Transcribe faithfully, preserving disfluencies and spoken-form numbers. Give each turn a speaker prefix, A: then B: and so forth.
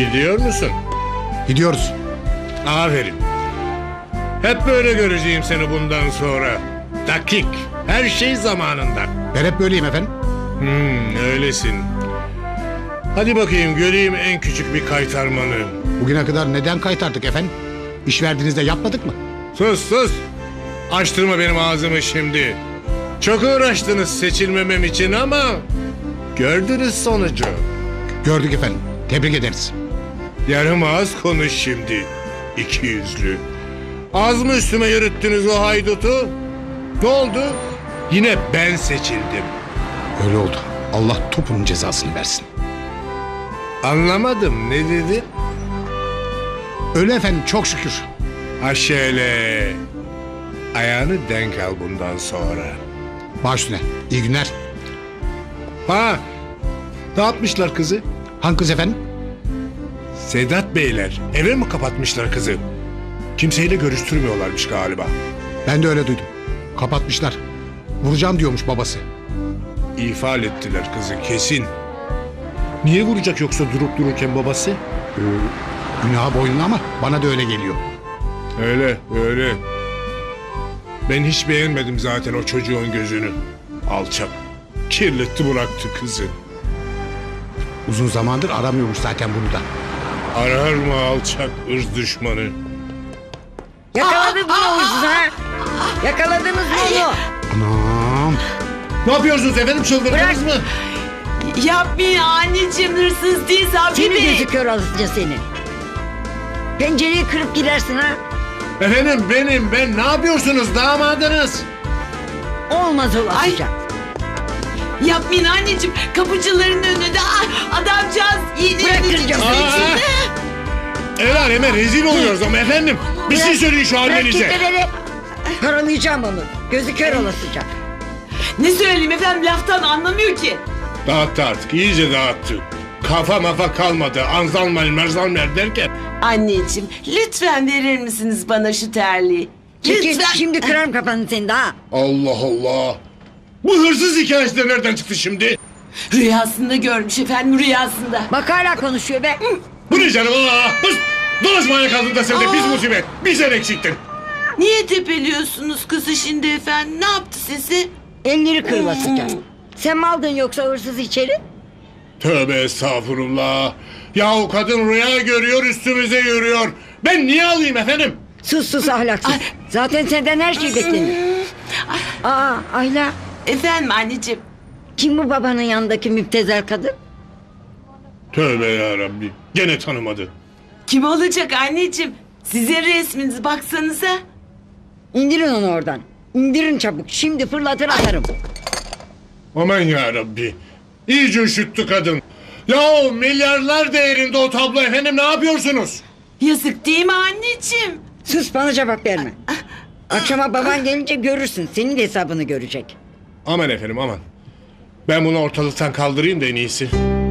A: Gidiyor musun?
B: Gidiyoruz.
A: Aferin. Hep böyle göreceğim seni bundan sonra. Dakik. Her şey zamanında.
B: Ben hep böyleyim efendim.
A: Hmm, öylesin. Hadi bakayım göreyim en küçük bir kaytarmanı.
B: Bugüne kadar neden kaytardık efendim? İş verdiğinizde yapmadık mı?
A: Sus sus. Açtırma benim ağzımı şimdi. Çok uğraştınız seçilmemem için ama gördünüz sonucu.
B: Gördük efendim. Tebrik ederiz.
A: Yarım ağız konuş şimdi. İki yüzlü. Az mı üstüme yürüttünüz o haydutu? Ne oldu? Yine ben seçildim.
B: Öyle oldu. Allah topunun cezasını versin.
A: Anlamadım, ne dedin?
B: Öyle efendim, çok şükür.
A: Ha şöyle. Ayağını denk al bundan sonra.
B: Baş üstüne. İyi günler.
A: Ha, ne yapmışlar kızı?
B: Hangi kız efendim?
A: Sedat Beyler eve mi kapatmışlar kızı? Kimseyle görüştürmüyorlarmış galiba.
B: Ben de öyle duydum. Kapatmışlar. Vuracağım diyormuş babası.
A: İfade ettiler kızı kesin. Niye vuracak yoksa durup dururken babası?
B: Ee, günah boynuna ama bana da öyle geliyor.
A: Öyle öyle. Ben hiç beğenmedim zaten o çocuğun gözünü. Alçak. Kirletti bıraktı kızı.
B: Uzun zamandır aramıyormuş zaten bunu da.
A: Arar mı alçak ırz düşmanı?
C: Yakaladınız mı hırsızı ha? Yakaladınız mı onu?
B: Anam.
A: Ne yapıyorsunuz efendim, çıldırdınız mı?
D: Yapmayın anneciğim, hırsız değil Sabri
C: Seni
D: Bey.
C: gözü kör alıcı seni. Pencereyi kırıp girersin ha?
A: Efendim benim, ben ne yapıyorsunuz damadınız?
C: Olmaz olasıca.
D: Yapmayın anneciğim, kapıcıların önünde ah, adamcağız
C: Bırakıracağım.
A: Aa! El aleme rezil oluyoruz ama efendim. Bir şey söyleyin şu
C: Bırak
A: halinize.
C: kitleleri. Paralayacağım onu. Gözü kör olasıca.
D: Ne söyleyeyim efendim, laftan anlamıyor ki.
A: Dağıttı artık, iyice dağıttı. Kafa mafa kalmadı. Anzalmer merzalmer derken.
D: Anneciğim lütfen verir misiniz bana şu terliği?
C: Çekil,
D: Lütfen.
C: şimdi kırarım kafanı senin de ha.
A: Allah Allah. Bu hırsız hikayesi de nereden çıktı şimdi?
D: Rüyasında görmüş efendim, rüyasında.
C: Bak hala konuşuyor be.
A: Bu ne canım? Aa, bıs! Dolaşmaya kaldın da sen de biz musibet. Bir sen eksiktin.
D: Niye tepeliyorsunuz kızı şimdi efendim? Ne yaptı sizi?
C: Elleri kırılasıca. Sen mi aldın yoksa hırsız içeri?
A: Tövbe estağfurullah. Yahu kadın rüya görüyor, üstümüze yürüyor. Ben niye alayım efendim?
C: Sus sus ahlaksız. Zaten senden her şey beklenir. Aa Ayla.
D: Efendim anneciğim.
C: Kim bu babanın yanındaki müptezel kadın?
A: Tövbe yarabbi. Gene tanımadı.
D: Kim olacak anneciğim? Sizin resminizi baksanıza.
C: İndirin onu oradan. İndirin çabuk. Şimdi fırlatır atarım.
A: Aman yarabbi. İyice üşüttü kadın. Yahu milyarlar değerinde o tablo efendim, ne yapıyorsunuz?
D: Yazık değil mi anneciğim?
C: Sus, bana cevap verme. Akşama baban gelince görürsün. Senin de hesabını görecek.
A: Aman efendim aman. Ben bunu ortalıktan kaldırayım da en iyisi.